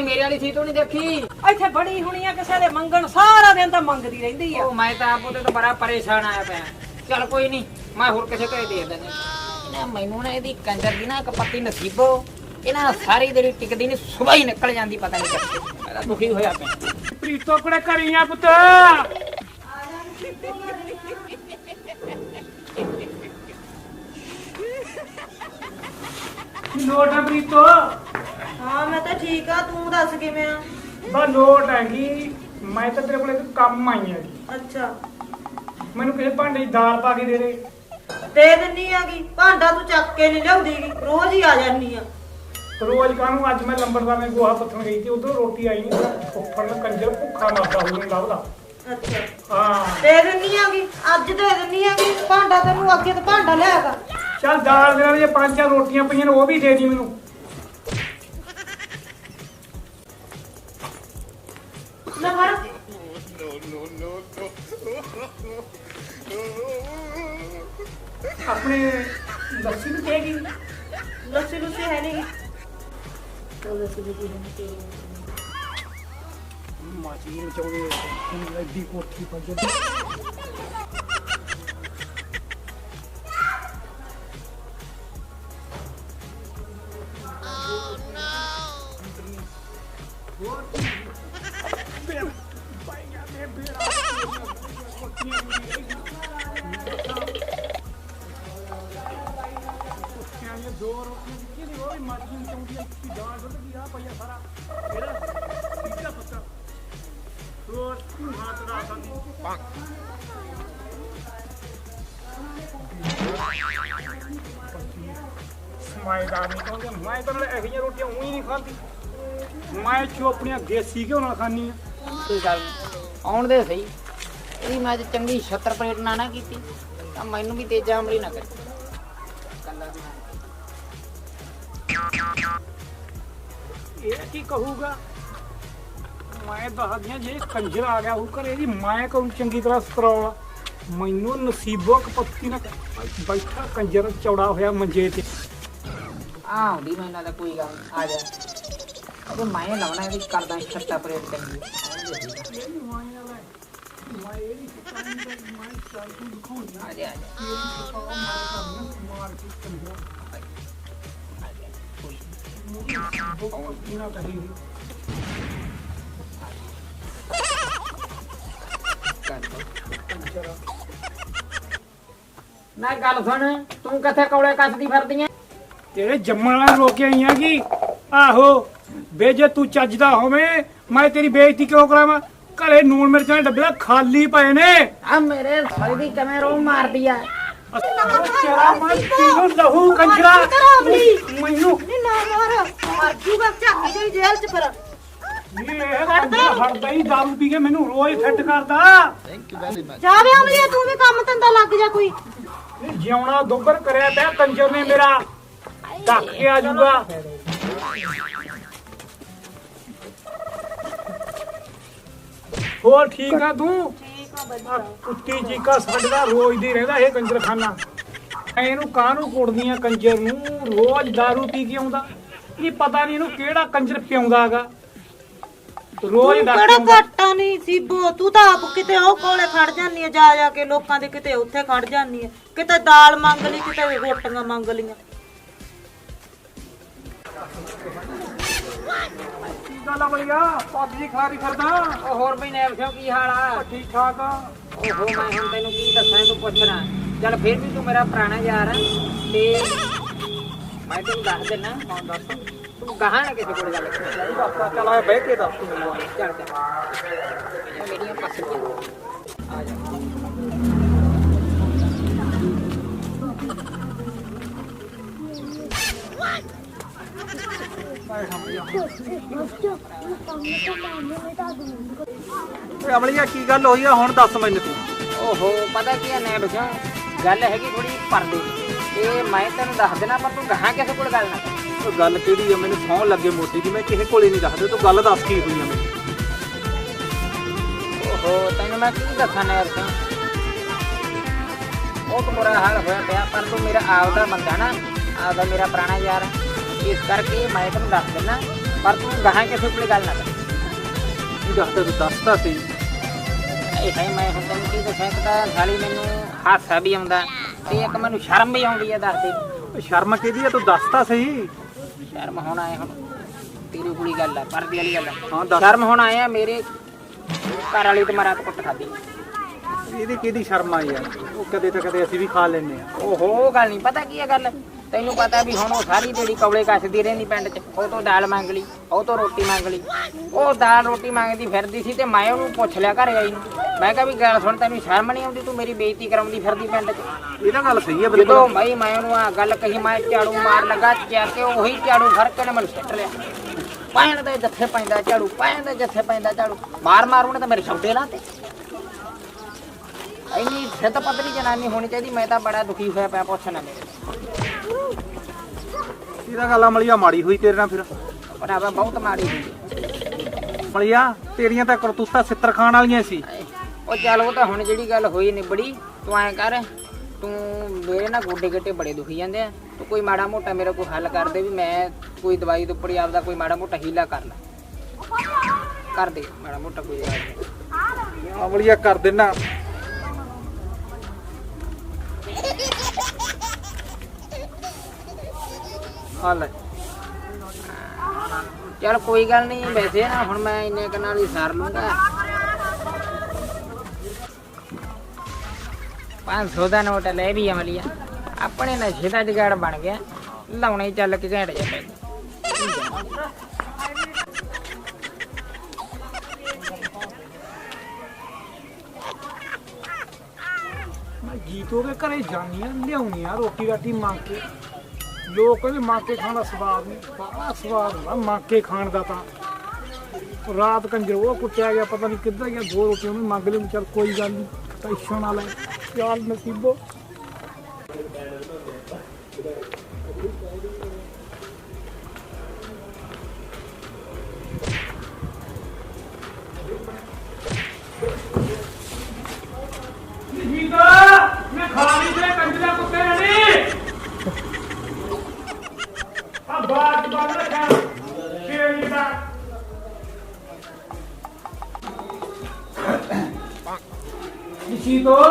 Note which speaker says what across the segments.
Speaker 1: ਭਾਈ ਮੇਰੇ ਵਾਲੀ ਸੀਟ ਨਹੀਂ ਦੇਖੀ
Speaker 2: ਇੱਥੇ ਬੜੀ ਹੁਣੀ ਆ ਕਿਸੇ ਦੇ ਮੰਗਣ ਸਾਰਾ ਦਿਨ ਤਾਂ ਮੰਗਦੀ ਰਹਿੰਦੀ ਆ।
Speaker 1: ਉਹ ਮੈਂ ਤਾਂ ਆਪ ਉਹਦੇ ਤੋਂ ਬੜਾ ਪਰੇਸ਼ਾਨ ਆਇਆ ਪਿਆ। ਚੱਲ ਕੋਈ ਨਹੀਂ ਮੈਂ ਹੋਰ ਕਿਸੇ ਘਰੇ ਦੇ ਦਿੰਦਾ ਨਾ। ਮੈਨੂੰ ਨਾ ਇਹਦੀ ਕੰਜਰ ਦੀ ਨਾ ਇੱਕ ਪੱਤੀ ਨਸੀਬੋ ਇਹਨਾਂ ਸਾਰੀ ਦਿਨ ਟਿਕਦੀ ਨਹੀਂ ਸੁਬਾਹ ਹੀ ਨਿਕਲ ਜਾਂਦੀ ਪਤਾ ਨਹੀਂ ਕਿੱਥੇ। ਮੈਂ ਤਾਂ ਦੁਖੀ ਹੋਇਆ ਪਿਆ।
Speaker 3: ਪ੍ਰੀਤੋ ਕੋਲੇ ਘਰੀ ਆ ਪੁੱਤ। ਲੋਟ ਆ ਪ੍ਰੀਤੋ।
Speaker 2: ਹਾਂ ਮੈਂ ਤਾਂ ਠੀਕ ਆ, ਤੂੰ ਦੱਸ ਕਿਵੇਂ ਆ?
Speaker 3: ਬਾ ਲੋਟ ਹੈਗੀ। ਮੈਂ ਤਾਂ ਤੇਰੇ ਕੋਲੇ ਇੱਕ ਕੰਮ ਆਈ ਹੈਗੀ।
Speaker 2: ਅੱਛਾ
Speaker 3: ਮੈਨੂੰ ਕਿਸੇ ਭਾਂਡੇ 'ਚ ਦਾਲ ਪਾ ਕੇ ਦੇ ਦੇ।
Speaker 2: ਦੇ ਦਿੰਨੀ ਆਗੀ, ਭਾਂਡਾ ਤੂੰ ਚੱਕ ਕੇ ਨਹੀਂ ਲਿਆਉਂਦੀਗੀ, ਰੋਜ਼ ਹੀ ਆ ਜਾਨੀ ਆ।
Speaker 3: ਰੋਜ਼ ਕਾਹਨੂੰ? ਅੱਜ ਮੈਂ ਲੰਬੜਦਾਰ ਨੇ ਗੋਹਾ ਪੱਥਣ ਗਈ ਸੀ, ਉਧਰੋਂ ਰੋਟੀ ਆਈ ਨਹੀਂ। ਫੁੱਫੜ ਨੂੰ ਕੰਜਰ ਭੁੱਖਾ ਮਰਦਾ ਹੋਊ ਲੱਭਦਾ।
Speaker 2: ਅੱਛਾ
Speaker 3: ਹਾਂ
Speaker 2: ਦੇ ਦਿੰਨੀ ਆਗੀ, ਅੱਜ ਦੇ ਦਿੰਨੀ ਆਗੀ ਭਾਂਡਾ। ਤੈਨੂੰ ਅੱਗੇ ਤੇ ਭਾਂਡਾ ਲਿਆਗਾ।
Speaker 3: ਚੱਲ ਦਾਲ ਦੇ ਨਾਲ ਜੇ 5-4 ਰੋਟੀਆਂ ਪਈਆਂ ਨੇ ਉਹ ਵੀ ਦੇ ਦੀ ਮੈਨੂੰ।
Speaker 2: ਲੈ ਫੜ।
Speaker 3: ਆਪਣੇ ਲੱਸੀ ਨੂੰ ਕਹੇਗੀ।
Speaker 2: ਲੱਸੀ ਲੁੱਸੀ ਹੈ ਨਹੀਂ।
Speaker 3: ਮਾਚੀ ਨੂੰ ਚਾਉਣੀ ਐਡੀ ਕੋਠੀ ਪਰ ਜਦ ਮੈਂ ਤਾਂ ਇਹੋ ਜਿਹੀਆਂ ਰੋਟੀਆਂ ਊਂ ਹੀ ਨਹੀਂ ਖਾਂਦੀ। ਮੈਂ ਚੋਪੜੀਆਂ ਦੇਸੀ ਘਿਓ ਨਾਲ ਖਾਂਦੀ ਆ।
Speaker 1: ਕੋਈ ਗੱਲ ਨੀ, ਆਉਣ ਦੇ ਸਹੀ। ਇਹਦੀ ਮੈਂ ਅੱਜ ਚੰਗੀ 76 ਪਲੇਟ ਨਾ ਕੀਤੀ ਤਾਂ ਮੈਨੂੰ ਵੀ ਤੇਜ਼ਾ ਅਮਲੀ ਨਾ ਕਰੇ।
Speaker 3: ਇਹ ਕੀ ਕਹੂਗਾ? ਮੈਂ ਦੱਸਦੀਆਂ ਜੇ ਕੰਜਰ ਆ ਗਿਆ ਉਹ ਘਰੇ ਦੀ ਮੈਂ ਕਹੂੰ ਚੰਗੀ ਤਰ੍ਹਾਂ ਸਤਰੌਲ। ਮੈਨੂੰ ਨਸੀਬੋ ਕਪੱਤੀ ਨਾ ਬੈਠਾ ਕੰਜਰ ਚੌੜਾ ਹੋਇਆ ਮੰਜੇ ਤੇ।
Speaker 1: ਆਉਂਦੀ ਮੈਂ ਇਹਨਾਂ ਦਾ ਕੋਈ ਗੱਲ ਨੀ, ਆ ਜਾ। ਉਹ ਮੈਂ ਲਾਉਣਾ ਇਹਦੀ ਕਰਦਾ 76 ਪਲੇਟ ਚੰਗੀ। ਆ ਜਾ ਨਾ ਗੱਲ ਸੁਣ, ਤੂੰ ਕਿੱਥੇ ਕੌਲੇ ਕੱਸਦੀ ਫਿਰਦੀ ਐ?
Speaker 3: ਤੇਰੇ ਜੰਮਣ ਵਾਲਾ ਰੋਕਿਆ ਹੀ ਆ ਕੀ? ਆਹੋ ਵੇ ਜੇ ਤੂੰ ਚੱਜਦਾ ਹੋਵੇਂ ਮੈਂ ਤੇਰੀ ਬੇਇੱਜ਼ਤੀ ਕਿਉਂ ਕਰਾਵਾਂ? ਘਰੇ ਨੂਣ ਮਿਰਚਾਂ ਦੇ ਡੱਬੇ ਖਾਲੀ ਪਏ ਨੇ।
Speaker 1: ਆ ਮੇਰੇ ਸਾਲੀ ਦੀ ਕਿਵੇਂ ਰੋ ਮਾਰਦੀ ਆ?
Speaker 3: ਤੇਰਾ ਮੈਂ ਤੈਨੂੰ ਲਹੂ ਕੰਜਰਾ ਮੈਨੂੰ
Speaker 2: ਨਾ ਮਾਰ, ਮਰ ਜੂਗਾ ਝਾਕੀ ਦੇ ਜੇਲ੍ਹ ਚ ਫਿਰ।
Speaker 3: ਇਹ ਕੰਜਰਾ ਫੜਦਾ ਹੀ ਦਾਰੂ ਪੀ ਕੇ ਮੈਨੂੰ ਰੋਜ਼ ਫਿੱਟ ਕਰਦਾ।
Speaker 2: ਜਾਵੇ ਅਮਲੀਆ, ਤੂੰ ਵੀ ਕੰਮ ਧੰਦਾ ਲੱਗ ਜਾ ਕੋਈ।
Speaker 3: ਜਿਉਣਾ ਦੁੱਬਰ ਕਰਿਆ ਪਿਆ ਕੰਜਰ ਨੇ ਮੇਰਾ। ਢੱਕ ਕੇ ਆ ਜਾਊਗਾ। ਹੋਰ ਠੀਕ ਆ ਤੂੰ? ਆ ਕੁੱਤੀ ਚੀਕਾ ਸਾਡਾ ਰੋਜ਼ ਦੀ ਰਹਿੰਦਾ ਇਹ ਕੰਜਰਖਾਨਾ। ਇਹਨੂੰ ਕਾਹਨੂੰ ਕੁੱਟਦੀਆਂ ਕੰਜਰ ਨੂੰ? ਰੋਜ਼ ਦਾਰੂ ਪੀ ਕੇ ਆਉਂਦਾ। ਇਹ ਪਤਾ ਨਹੀਂ ਇਹਨੂੰ ਕਿਹੜਾ ਕੰਜਰ ਪਿਆਉਂਦਾ ਹੈਗਾ। ਰੋਜ਼
Speaker 2: ਤੂੰ
Speaker 3: ਦਾ
Speaker 2: ਕਿਹੜਾ ਘਾਟਾ ਨਹੀਂ ਸੀਬੋ, ਤੂੰ ਤਾਂ ਆਪ ਕਿਤੇ ਉਹ ਕੋਲੇ ਖੜ ਜਾਂਦੀ ਆ ਜਾ ਜਾ ਕੇ ਲੋਕਾਂ ਦੇ, ਕਿਤੇ ਉੱਥੇ ਖੜ ਜਾਂਦੀ ਆ, ਕਿਤੇ ਦਾਲ ਮੰਗ ਲਈ, ਕਿਤੇ ਰੋਟੀਆਂ ਮੰਗ ਲਈਆਂ।
Speaker 3: ਕੀ ਗੱਲ ਆ ਬਈਆ? ਪੱਬਜੀ ਖਾਰੀ ਫਿਰਦਾ।
Speaker 1: ਉਹ ਹੋਰ ਬਈ ਨੈਬ ਸਿਓ ਕੀ ਹਾਲ ਆ?
Speaker 3: ਠੀਕ ਠਾਕ ਆ।
Speaker 1: ਓਹੋ ਮੈਂ ਹੁਣ ਤੈਨੂੰ ਕੀ ਦੱਸਾਂ, ਤੂੰ ਪੁੱਛਣਾ। ਚੱਲ ਫਿਰ ਵੀ ਤੂੰ ਮੇਰਾ ਪੁਰਾਣਾ ਯਾਰ ਆ ਤੇ ਮੈਂ ਤੈਨੂੰ ਦੱਸ ਦਿੰਦਾ। ਕੌਣ ਦੱਸ? ਤੂੰ ਗਾਹਾਂ ਨਾ ਕਿਸੇ ਕੋਲ ਗੱਲ ਕਰੀ।
Speaker 3: ਚੱਲ ਆ ਬਹਿ ਕੇ ਦੱਸ ਤੂੰ ਮੈਨੂੰ।
Speaker 1: ਚੱਲ ਇਹ ਮੇਰੀਆਂ ਪਸੰਦ ਆ ਜਾ।
Speaker 4: ਅਮਲੀਆ ਕੀ ਗੱਲ ਹੋਈ ਆ ਹੁਣ ਦੱਸ ਮੈਨੂੰ ਤੂੰ।
Speaker 1: ਓਹੋ ਪਤਾ ਕੀ ਆ ਨੈਬ ਸਿਓ, ਗੱਲ ਹੈਗੀ ਥੋੜੀ ਪਰਦੇ ਦੀ। ਤੇ ਮੈਂ ਤੈਨੂੰ ਦੱਸ ਦੇਣਾ ਪਰ ਤੂੰ ਗਾਹਾਂ ਕਿਸੇ ਕੋਲ ਗੱਲ ਨਾ ਕਰ।
Speaker 4: ਉਹ ਗੱਲ ਕਿਹੜੀ ਆ? ਮੈਨੂੰ ਸੌਂ ਲੱਗੇ ਮੋਟੀ ਦੀ, ਮੈਂ ਕਿਸੇ ਕੋਲੇ ਨਹੀਂ ਦੱਸਦੇ। ਤੂੰ ਗੱਲ ਦੱਸ ਕੀ ਹੋਈ ਆ ਮੈਨੂੰ।
Speaker 1: ਓਹੋ ਤੈਨੂੰ ਮੈਂ ਕੀ ਦੱਸਾਂ ਨੈਬ ਸਿਓ, ਉਹ ਤਾਂ ਬੁਰਾ ਹਾਲ ਹੋਇਆ ਪਿਆ। ਪਰ ਤੂੰ ਮੇਰਾ ਆਪਦਾ ਬੰਦਾ ਨਾ, ਆਪਦਾ ਮੇਰਾ ਪੁਰਾਣਾ ਯਾਰ। ਇਸ ਕਰਕੇ ਮੈਂ ਤੈਨੂੰ ਦੱਸ ਦਿੰਦਾ ਪਰ ਤੂੰ ਗਾਹਾਂ ਕਿਸੇ ਕੋਲੇ ਗੱਲ ਨਾ ਕਰ।
Speaker 4: ਨਹੀਂ ਦੱਸਦਾ ਤੂੰ ਦੱਸਦਾ ਸੀ।
Speaker 1: ਇਹ ਹੈ ਮੈਂ ਹੁਣ ਤੈਨੂੰ ਕੀ ਦੱਸਾਂ, ਇੱਕ ਤਾਂ ਸਾਲੀ ਮੈਨੂੰ ਹਾਸਾ ਵੀ ਆਉਂਦਾ ਤੇ ਇੱਕ ਮੈਨੂੰ ਸ਼ਰਮ ਵੀ ਆਉਂਦੀ ਹੈ। ਦੱਸ ਦੇ
Speaker 4: ਉਹ ਸ਼ਰਮ ਕਿਹਦੀ ਆ, ਤੂੰ ਦੱਸਦਾ ਸਹੀ।
Speaker 1: ਸ਼ਰਮ ਹੁਣ ਆਏ ਹੁਣ ਤੇਰੀ ਕੁੜੀ ਗੱਲ ਆ, ਪਰਦੀ ਵਾਲੀ ਗੱਲ
Speaker 4: ਹਾਂ
Speaker 1: ਆ।
Speaker 4: ਦੱਸ।
Speaker 1: ਸ਼ਰਮ ਹੁਣ ਆਏ ਆ ਮੇਰੇ ਘਰ ਵਾਲੀ ਤੇ ਮਾਰਾ ਕੁੱਟ ਖਾਦੀ।
Speaker 4: ਇਹਦੀ ਕਿਹਦੀ ਸ਼ਰਮ ਆ ਯਾਰ, ਉਹ ਕਦੇ ਤਾਂ ਕਦੇ ਅਸੀਂ ਵੀ ਖਾ ਲੈਂਦੇ ਆ।
Speaker 1: ਓਹੋ ਗੱਲ ਨਹੀਂ ਪਤਾ ਕੀ ਹੈ ਗੱਲ, ਤੈਨੂੰ ਪਤਾ ਵੀ ਹੁਣ ਉਹ ਸਾਰੀ ਜਿਹੜੀ ਕੌਲੇ ਕੱਸਦੀ ਰਹਿੰਦੀ ਪਿੰਡ 'ਚ। ਉਹ ਤੋਂ ਦਾਲ ਮੰਗ ਲਈ, ਉਹ ਤੋਂ ਰੋਟੀ ਮੰਗ ਲਈ। ਉਹ ਦਾਲ ਰੋਟੀ ਮੰਗਦੀ ਫਿਰਦੀ ਸੀ ਤੇ ਮੈਂ ਉਹਨੂੰ ਪੁੱਛ ਲਿਆ ਘਰੇ ਆਈ ਨੂੰ। ਮੈਂ ਕਿਹਾ ਵੀ ਗੱਲ ਸੁਣ, ਤੈਨੂੰ ਸ਼ਰਮ ਨਹੀਂ ਆਉਂਦੀ, ਤੂੰ ਮੇਰੀ ਬੇਇੱਜ਼ਤੀ ਕਰਾਉਂਦੀ ਫਿਰਦੀ ਪਿੰਡ 'ਚ।
Speaker 4: ਇਹ ਤਾਂ ਗੱਲ ਸਹੀ ਹੈ
Speaker 1: ਜਦੋਂ
Speaker 4: ਬਿਲਕੁਲ।
Speaker 1: ਭਾਈ ਮੈਂ ਉਹਨੂੰ ਆ ਗੱਲ ਕਹੀ, ਮੈਂ ਝਾੜੂ ਮਾਰ ਲੱਗਾ ਚੱਕ ਕੇ, ਉਹੀ ਝਾੜੂ ਫੜ ਕੇ ਨੇ ਮੈਨੂੰ ਸਿੱਟ ਲਿਆ। ਪੈਣ ਦੇ ਜੱਥੇ ਪੈਂਦਾ ਝਾੜੂ, ਪੈਣ ਦੇ ਜੱਥੇ ਪੈਂਦਾ ਝਾੜੂ, ਮਾਰ ਮਾਰ ਉਹਨੇ ਤਾਂ ਮੇਰੇ ਛੱਡੇ ਲਾਤੇ। ਇੰਨੀ ਸਿੱਧ ਪਤਲੀ ਜਨਾਨੀ ਹੋਣੀ ਚਾਹੀਦੀ। ਮੈਂ ਤਾਂ ਬੜਾ ਦੁਖੀ ਹੋਇਆ ਪਿਆ, ਪੁੱਛਣਾ ਮੇਰੇ
Speaker 4: ਇਹਦਾ ਗੱਲ ਅਮਲੀਆ ਮਾੜੀ ਹੋਈ ਤੇਰੇ ਨਾਲ ਫਿਰ।
Speaker 1: ਭਰਾਵਾ ਬਹੁਤ ਮਾੜੀ ਹੋਈ।
Speaker 4: ਅਮਲੀਆ ਤੇਰੀਆਂ ਤਾਂ ਕਰਤੂਤਾਂ ਸਿੱਤਰ ਖਾਣ ਵਾਲੀਆਂ ਸੀ।
Speaker 1: ਉਹ ਚੱਲ ਉਹ ਤਾਂ ਹੁਣ ਜਿਹੜੀ ਗੱਲ ਹੋਈ ਨਿਬੜੀ। ਤੂੰ ਐਂ ਕਰ, ਤੂੰ ਮੇਰੇ ਨਾ ਗੋਡੇ ਗੱਟੇ ਬੜੇ ਦੁਖੀ ਜਾਂਦੇ ਆ। ਤੂੰ ਕੋਈ ਮਾੜਾ ਮੋਟਾ ਮੇਰਾ ਕੋਈ ਹੱਲ ਕਰ ਦੇ, ਵੀ ਮੈਂ ਕੋਈ ਦਵਾਈ ਦੇ ਉੱਪਰ ਆਪਦਾ ਕੋਈ ਮਾੜਾ ਮੋਟਾ ਹੀਲਾ ਕਰ ਲੈ, ਕਰ ਦੇ ਮਾੜਾ ਮੋਟਾ ਕੋਈ ਦਵਾਈ।
Speaker 4: ਅਮਲੀਆ ਕਰ ਦੇਣਾ। ਆ ਲੈ
Speaker 1: ਚੱਲ ਕੋਈ ਗੱਲ ਨਹੀਂ, ਵੈਸੇ ਨਾ ਹੁਣ ਮੈਂ ਇੰਨੇ ਕੁ ਨਾਲ ਹੀ ਸਾਰ ਲੂੰਗਾ। 500 ਦਾ ਨੋਟ ਲੈ ਵੀ ਅਮਲੀਆ, ਆਪਣੇ ਨਸ਼ੇ ਦਾ ਜੁਗਾੜ ਬਣ ਗਿਆ। ਲਾਉਣੇ ਹੀ ਚੱਲ ਕੇ ਘੈਂਟ ਜਾ ਪੈ।
Speaker 3: ਮੈਂ ਜੀਤੋ ਦੇ ਘਰੇ ਜਾਨੀ ਆ, ਲਿਆਉਣੀ ਆ ਰੋਟੀ ਰਾਟੀ ਮੰਗ ਕੇ। ਲੋਕ ਕਹਿੰਦੇ ਮੰਗ ਕੇ ਖਾਣ ਦਾ ਸਵਾਦ ਨਹੀਂ, ਬੜਾ ਸਵਾਦ ਹੁੰਦਾ ਮੰਗ ਕੇ ਖਾਣ ਦਾ। ਤਾਂ ਰਾਤ ਕੰਜਰ ਉਹ ਕੁੱਟਿਆ ਗਿਆ, ਪਤਾ ਨਹੀਂ ਕਿੱਧਰ ਗਿਆ। 2 ਰੋਟੀਆਂ ਉਹਨੇ ਮੰਗ ਲਈ। ਚੱਲ ਕੋਈ ਗੱਲ ਨਹੀਂ, ਟੈਨਸ਼ਨ ਨਾ ਲੈ, ਚੱਲ ਨਸੀਬੋ। ਮੈਂ ਖਾ ਲਈ ਤੇ ਕੰਜਰਾ ਕੁੱਤੇ ਨੇ ਆ ਬਾਤ ਬੰਦ ਰੱਖਿਆ ਸ਼ੇਰੀ ਦਾ। ਨਿਸ਼ੀ ਤੋਂ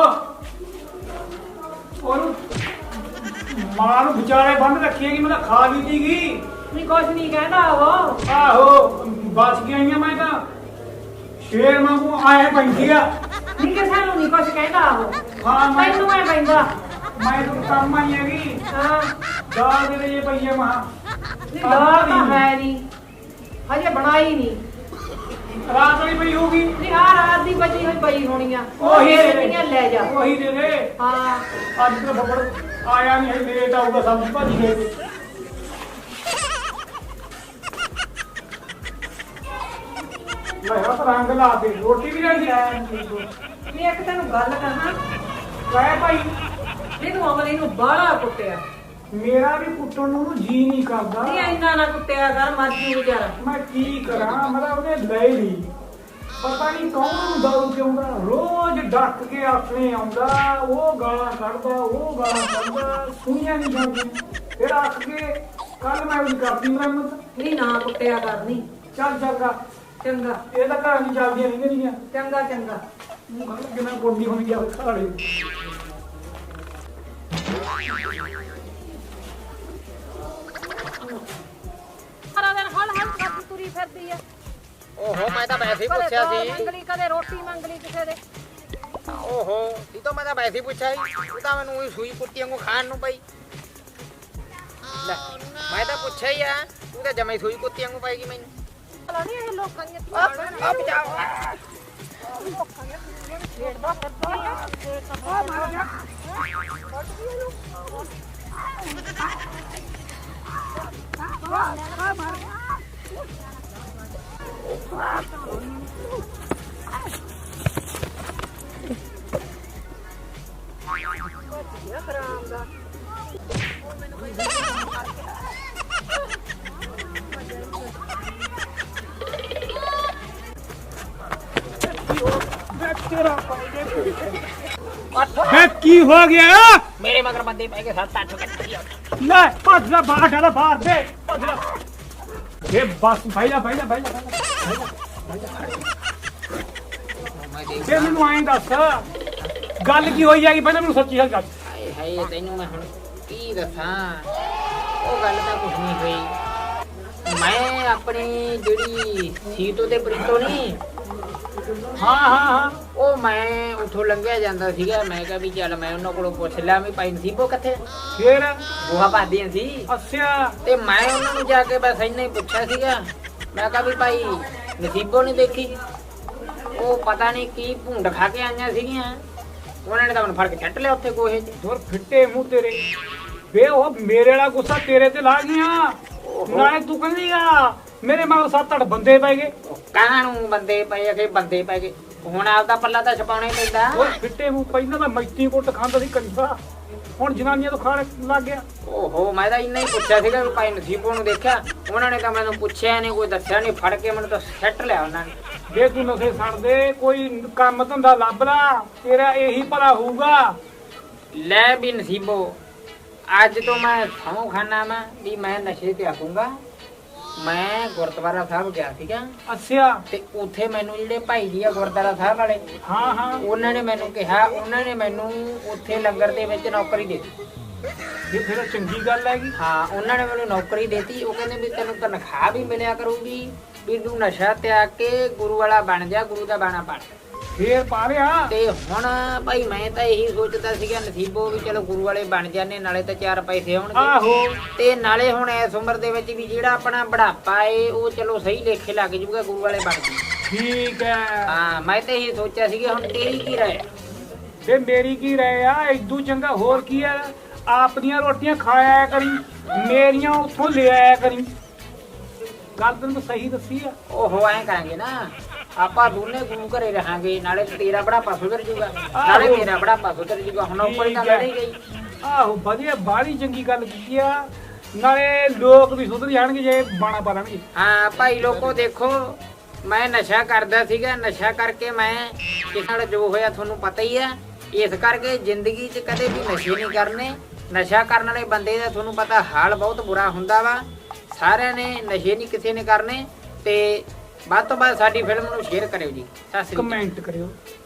Speaker 3: ਉਹਨੂੰ ਮਾਂ ਨੂੰ ਵਿਚਾਰੇ ਬੰਦ ਰੱਖੀਏ ਕਿ ਮੈਂ ਤਾਂ ਖਾ ਲਈ ਸੀਗੀ।
Speaker 2: ਨਹੀਂ ਕੁਛ ਨਹੀਂ ਕਹਿੰਦਾ ਉਹ।
Speaker 3: ਆਹੋ ਬਚ ਗਈਆਂ। ਮੈਂ ਤਾਂ ਸ਼ੇਰ ਵਾਂਗੂ ਆਏ ਪੈਂਦੀ ਆ।
Speaker 2: ਨਹੀਂ ਕਿਸੇ ਨੂੰ ਨਹੀਂ ਕੁਛ ਕਹਿੰਦਾ ਉਹ।
Speaker 3: ਹਾਂ ਮੈਂ
Speaker 2: ਤੈਨੂੰ ਐ ਪੈਂਦਾ।
Speaker 3: ਮੈਂ ਤਾਂ ਕੰਮ ਆਈ ਹੈਗੀ।
Speaker 2: ਹਾਂ
Speaker 3: ਦਾਲ ਦੇ ਲਈ ਪਈਏ ਮਹਾ।
Speaker 2: ਨਹੀਂ ਦਾਲ ਤਾਂ ਹੈ ਨਹੀਂ, ਹਜੇ ਬਣਾਈ ਨਹੀਂ।
Speaker 3: ਰਾਤ ਵਾਲੀ ਪਈ ਹੋਊਗੀ।
Speaker 2: ਨਹੀਂ ਆ ਰਾਤ ਦੀ ਬਚੀ ਹੋਈ ਪਈ ਹੋਣੀ ਆ।
Speaker 3: ਉਹੀ ਦੇ ਦੇ।
Speaker 2: ਉਹੀ ਲੈ ਜਾ।
Speaker 3: ਉਹੀ ਦੇ ਦੇ।
Speaker 2: ਹਾਂ
Speaker 3: ਅੱਜ ਤਾਂ ਬੱਬੜ ਆਇਆ ਨਹੀਂ ਹੈ, ਲੇਟ ਆਊਗਾ, ਸਬਜ਼ੀ ਭਾਜੀ ਦੇ ਦੇ। ਮੈਂ ਤਾਂ ਰੰਗ ਲਾ ਦੇ, ਰੋਟੀ ਵੀ ਰਹਿੰਦੀ ਹੈ।
Speaker 2: ਨਹੀਂ ਇੱਕ ਤੈਨੂੰ ਗੱਲ ਕਹਾਂ,
Speaker 3: ਲੈ ਭਾਈ
Speaker 2: ਇਹਨੂੰ ਅਮਲੀ ਨੂੰ ਬਾਹਲਾ ਕੁੱਟਿਆ।
Speaker 3: ਮੇਰਾ ਵੀ ਕੁੱਟਣ ਨੂੰ ਜੀ ਨਹੀਂ ਕਰਦਾ।
Speaker 2: ਨਹੀਂ ਇੰਨਾ ਨਾ ਕੁੱਟਿਆ ਕਰ, ਮਰਜੀ ਵਿਚਾਰਾ।
Speaker 3: ਮੈਂ ਕੀ ਕਰਾਂ, ਮਤਲਬ ਉਹਨੇ ਲੈ ਲਈ। ਪਤਾ ਨਹੀਂ ਕੌਣ ਨੂੰ ਦਾਰੂ ਪਿਆਉਂਦਾ, ਰੋਜ਼ ਡੱਕ ਕੇ ਆਪਣੇ ਆਉਂਦਾ। ਉਹ ਗਾਲਾਂ ਕੱਢਦਾ, ਉਹ ਗਾਲਾਂ ਕੱਢਦਾ, ਸੁਣੀਆਂ ਨਹੀਂ ਜਾਂਦੀਆਂ। ਫਿਰ ਅੱਕ ਕੇ ਕੱਲ ਮੈਂ ਉਹਦੀ ਕਰਦੀ ਮੁਰੰਮਤ।
Speaker 2: ਨਹੀਂ ਨਾ ਕੁੱਟਿਆ ਕਰ। ਨਹੀਂ
Speaker 3: ਚੱਲ ਚੰਗਾ,
Speaker 2: ਚੰਗਾ
Speaker 3: ਇਹ ਤਾਂ ਘਰਾਂ ਦੀ ਚੱਲਦੀਆਂ ਨਹੀਂ ਗਈਆਂ।
Speaker 2: ਚੰਗਾ ਚੰਗਾ।
Speaker 3: ਕਿੰਨਾ ਗੋਡੀ ਹੋਣੀ ਗਿਆ ਖਾੜੇ।
Speaker 5: ਸਾਰਾ ਦਿਨ ਹਲ ਹਲ ਕਰਦੀ ਤੁਰੀ ਫਿਰਦੀ ਆ।
Speaker 1: ਓਹੋ ਮੈਂ ਤਾਂ ਵੈਸੇ ਹੀ
Speaker 5: ਕਦੇ
Speaker 1: ਪੁੱਛਿਆ
Speaker 5: ਦਾਲ
Speaker 1: ਸੀ।
Speaker 5: ਮੰਗ ਲਈ, ਕਦੇ ਰੋਟੀ ਮੰਗ ਲਈ ਕਿਸੇ ਦੇ।
Speaker 1: ਓਹੋ ਇਹ ਤਾਂ ਮੈਂ ਤਾਂ ਵੈਸੇ ਹੀ ਪੁੱਛਿਆ ਸੀ। ਤੂੰ ਤਾਂ ਮੈਨੂੰ ਉਹੀ ਸੂਈ ਕੁੱਤੀ ਵਾਂਗੂ ਖਾਣ ਨੂੰ ਪਈ। ਲੈ ਮੈਂ ਤਾਂ ਪੁੱਛਿਆ ਹੀ ਆ, ਤੂੰ ਤਾਂ ਜਮੇ ਸੂਈ ਕੁੱਤੀ ਵਾਂਗੂ ਪਾਏਗੀ ਮੈਨੂੰ।
Speaker 5: ਭਲਾ ਨੀ ਇਹ ਲੋਕਾਂ ਦੀਆਂ ਧੀਆਂ ਭੈਣਾਂ
Speaker 1: ਆ ਬਚਾਓ।
Speaker 5: ਲੋਕਾਂ ਦੀਆਂ ਧੀਆਂ ਨੂੰ ਛੇੜਦਾ ਫਿਰਦਾ ਆ। ਆ ਮਰ ਜਾ।
Speaker 3: ਵੇ ਕੀ ਹੋ ਗਿਆ?
Speaker 1: ਮੇਰੇ ਮਗਰ ਬੰਦੇ ਪੈ ਕੇ 7-8 ਕੱਟ
Speaker 3: ਲੈ ਭੱਜ ਲੈ, ਬਾਹਰ ਡਾਲਾ ਬਾਹਰ ਦੇ। ਭੱਜ ਲੈ। ਇਹ ਬਸ ਭਾਈ ਜਾ
Speaker 1: ਮੈਂ
Speaker 3: ਤੇ ਮੈਨੂੰ ਐਂ ਦੱਸ ਗੱਲ ਕੀ ਹੋਈ ਹੈਗੀ ਪਹਿਲਾਂ ਮੈਨੂੰ ਸੱਚੀ ਗੱਲ ਦੱਸ।
Speaker 1: ਹਾਏ ਹਾਏ ਤੈਨੂੰ ਮੈਂ ਹੁਣ ਕੀ ਦੱਸਾਂ, ਉਹ ਗੱਲ ਤਾਂ ਕੁਝ ਨਹੀਂ ਹੋਈ। ਮੈਂ ਆਪਣੀ ਜਿਹੜੀ ਸੀਟੋ ਦੇ ਪ੍ਰੀਤੋ ਨਹੀਂ,
Speaker 3: ਹਾਂ
Speaker 1: ਉਹ ਮੈਂ ਉੱਥੋਂ ਲੰਘਿਆ ਜਾਂਦਾ ਸੀਗਾ। ਮੈਂ ਕਿਹਾ ਵੀ ਚੱਲ ਮੈਂ ਉਹਨਾਂ ਕੋਲੋਂ ਪੁੱਛ ਲਿਆ ਵੀ ਭਾਈ ਨਸੀਬੋ ਕਿੱਥੇ,
Speaker 3: ਫੇਰ
Speaker 1: ਗੋਹਾ ਪਾਦੀਆਂ ਸੀ।
Speaker 3: ਅੱਛਾ
Speaker 1: ਤੇ ਮੈਂ ਉਹਨਾਂ ਨੂੰ ਜਾ ਕੇ ਬਸ ਇੰਨਾ ਹੀ ਪੁੱਛਿਆ ਸੀਗਾ। ਮੈਂ ਕਿਹਾ ਵੀ ਭਾਈ ਨਸੀਬੋ ਨਹੀਂ ਦੇਖੀ, ਉਹ ਪਤਾ ਨਹੀਂ ਕੀ ਭੁੰਡ ਖਾ ਕੇ ਆਈਆਂ ਸੀਗੀਆਂ। ਉਹਨਾਂ ਨੇ ਤਾਂ ਮੈਨੂੰ ਫੜ ਕੇ ਛੱਟ ਲਿਆ ਉੱਥੇ ਗੋਹੇ 'ਚ।
Speaker 3: ਹੋਰ ਫਿੱਟੇ ਮੂੰਹ ਤੇਰੇ ਵੇ, ਉਹ ਮੇਰੇ ਵਾਲਾ ਗੁੱਸਾ ਤੇਰੇ ਤੇ ਲਾ ਗਈਆਂ। ਨਾਲੇ ਤੂੰ ਕਹਿੰਦੀਗਾ ਮੇਰੇ ਮਗਰ 7-8 ਬੰਦੇ ਪੈ ਗਏ।
Speaker 1: ਕਾਹਨਾਂ ਨੂੰ ਬੰਦੇ ਪਏ ਕਿ ਬੰਦੇ ਪੈ ਗਏ, ਹੁਣ ਆਪਦਾ ਪੱਲਾ ਤਾਂ ਛਪਾਉਣਾ ਹੀ ਪੈਂਦਾ।
Speaker 3: ਉਹ ਫਿੱਟੇ ਮੂੰਹ ਪਹਿਲਾਂ ਤਾਂ ਮੈਤੀ ਕੁੱਟ ਖਾਂਦਾ ਸੀ ਕੰਜਰਾ, ਹੁਣ ਜਨਾਨੀਆਂ ਤੋਂ ਖਾਣ ਲੱਗ ਗਿਆ।
Speaker 1: ਓਹੋ ਮੈਂ ਤਾਂ ਇੰਨਾ ਹੀ ਪੁੱਛਿਆ ਸੀਗਾ ਵੀ ਭਾਈ ਨਸੀਬੋ ਨੂੰ ਦੇਖਿਆ। ਉਹਨਾਂ ਨੇ ਤਾਂ ਮੈਨੂੰ ਪੁੱਛਿਆ ਨਹੀਂ, ਕੋਈ ਦੱਸਿਆ ਨਹੀਂ, ਫੜ ਕੇ ਮੈਨੂੰ ਤਾਂ ਛੱਟ ਲਿਆ ਉਹਨਾਂ ਨੇ।
Speaker 3: ਜੇ ਤੂੰ ਨਸ਼ੇ ਛੱਡ ਦੇ, ਕੋਈ ਕੰਮ ਧੰਦਾ ਲੱਭ ਲਾ, ਤੇਰਾ ਇਹੀ ਭਲਾ ਹੋਊਗਾ।
Speaker 1: ਲੈ ਵੀ ਨਸੀਬੋ, ਅੱਜ ਤੋਂ ਮੈਂ ਸਹੁੰ ਖਾਨਾ ਮੈਂ ਵੀ ਮੈਂ ਨਸ਼ੇ ਤੇ ਆਉਂਗਾ। ਮੈਂ ਗੁਰਦੁਆਰਾ ਸਾਹਿਬ ਗਿਆ ਸੀਗਾ
Speaker 3: ਅੱਛਾ
Speaker 1: ਤੇ ਉੱਥੇ ਮੈਨੂੰ ਜਿਹੜੇ ਭਾਈ ਜੀ ਆ ਗੁਰਦੁਆਰਾ ਸਾਹਿਬ ਵਾਲੇ,
Speaker 3: ਹਾਂ
Speaker 1: ਉਹਨਾਂ ਨੇ ਮੈਨੂੰ ਕਿਹਾ, ਉਹਨਾਂ ਨੇ ਮੈਨੂੰ ਉੱਥੇ ਲੰਗਰ ਦੇ ਵਿੱਚ ਨੌਕਰੀ ਦੇ ਦਿੱਤੀ।
Speaker 3: ਇਹ ਫਿਰ ਚੰਗੀ ਗੱਲ ਹੈਗੀ।
Speaker 1: ਹਾਂ ਉਹਨਾਂ ਨੇ ਮੈਨੂੰ ਨੌਕਰੀ ਦੇਤੀ। ਉਹ ਕਹਿੰਦੇ ਵੀ ਤੈਨੂੰ ਤਨਖਾਹ ਵੀ ਮਿਲਿਆ ਕਰੂਗੀ, ਵੀ ਤੂੰ ਨਸ਼ਾ ਤਿਆਗ ਕੇ ਗੁਰੂ ਵਾਲਾ ਬਣ ਜਾ, ਗੁਰੂ ਦਾ ਬਾਣਾ ਪੜ।
Speaker 3: ਫੇਰ ਪਾ ਲਿਆ।
Speaker 1: ਤੇ ਹੁਣ ਭਾਈ ਮੈਂ ਤਾਂ ਇਹੀ ਸੋਚਦਾ ਸੀਗਾ ਨਸੀਬੋ ਵੀ ਚਲੋ ਗੁਰੂ ਵਾਲੇ ਬਣ ਜਾਂਦੇ, ਨਾਲੇ ਤਾਂ 4 ਪੈਸੇ ਆਉਣਗੇ,
Speaker 3: ਆਹੋ
Speaker 1: ਤੇ ਨਾਲੇ ਹੁਣ ਇਸ ਉਮਰ ਦੇ ਵਿੱਚ ਵੀ ਜਿਹੜਾ ਆਪਣਾ ਬੁਢਾਪਾ ਏ ਉਹ ਚਲੋ ਸਹੀ ਲੇਖੇ ਲੱਗ ਜੂਗਾ, ਗੁਰੂ ਵਾਲੇ ਬਣ ਜੂ।
Speaker 3: ਠੀਕ ਹੈ।
Speaker 1: ਹਾਂ ਮੈਂ ਤਾਂ ਇਹੀ ਸੋਚਿਆ ਸੀਗਾ। ਹੁਣ ਤੇਰੀ ਕੀ ਰਾਏ?
Speaker 3: ਤੇ ਮੇਰੀ ਕੀ ਰਾਏ ਆ, ਇਦੂ ਚੰਗਾ ਹੋਰ ਕੀ ਹੈ, ਆਪਣੀਆਂ ਰੋਟੀਆਂ ਖਾਇਆ ਕਰੀ, ਮੇਰੀਆਂ ਉੱਥੋਂ ਲੈ ਆਇਆ ਕਰੀ। ਗੱਲ ਤੈਨੂੰ ਸਹੀ ਦੱਸੀ ਆ।
Speaker 1: ਉਹ ਐਂ ਕਰਾਂਗੇ ਨਾ, ਆਪਾਂ ਦੋਨੇ ਗੁਰੂ ਘਰੇ ਰਹਾਂਗੇ, ਨਾਲੇ ਤੇਰਾ ਬੁਢਾਪਾ ਸੁਧਰ ਜੂਗਾ, ਨਾਲੇ ਮੇਰਾ ਬੁਢਾਪਾ ਸੁਧਰ ਜੂਗਾ। ਹੁਣ ਉੱਪਰ ਤਾਂ ਲੜੀ ਗਈ।
Speaker 3: ਆਹੋ ਵਧੀਆ, ਬਾਹਲੀ ਚੰਗੀ ਗੱਲ ਕੀਤੀ ਆ। ਨਾਲੇ ਲੋਕ ਵੀ ਸੁਧਰ ਜਾਣਗੇ ਜੇ ਬਾਣਾ ਪਾ ਲੈਣਗੇ।
Speaker 1: ਹਾਂ ਭਾਈ ਲੋਕੋ ਦੇਖੋ, ਮੈਂ ਨਸ਼ਾ ਕਰਦਾ ਸੀਗਾ, ਨਸ਼ਾ ਕਰਕੇ ਮੈਂ ਕਿਸੇ ਨਾਲ ਜੋ ਹੋਇਆ ਤੁਹਾਨੂੰ ਪਤਾ ਹੀ ਆ। ਇਸ ਕਰਕੇ ਜ਼ਿੰਦਗੀ 'ਚ ਕਦੇ ਵੀ ਨਸ਼ੇ ਨਹੀਂ ਕਰਨੇ। ਨਸ਼ਾ ਕਰਨ ਵਾਲੇ ਬੰਦੇ ਦਾ ਤੁਹਾਨੂੰ ਪਤਾ ਹਾਲ ਬਹੁਤ ਬੁਰਾ ਹੁੰਦਾ ਵਾ। ਸਾਰਿਆਂ ਨੇ ਨਸ਼ੇ ਨਹੀਂ ਕਿਸੇ ਨੇ ਕਰਨੇ। ਤੇ ਵੱਧ ਤੋਂ ਵੱਧ ਸਾਡੀ ਫਿਲਮ ਨੂੰ ਸ਼ੇਅਰ ਕਰਿਓ ਜੀ। ਸਤਿ ਸ੍ਰੀ ਅਕਾਲ।
Speaker 3: ਕਮੈਂਟ ਕਰਿਓ।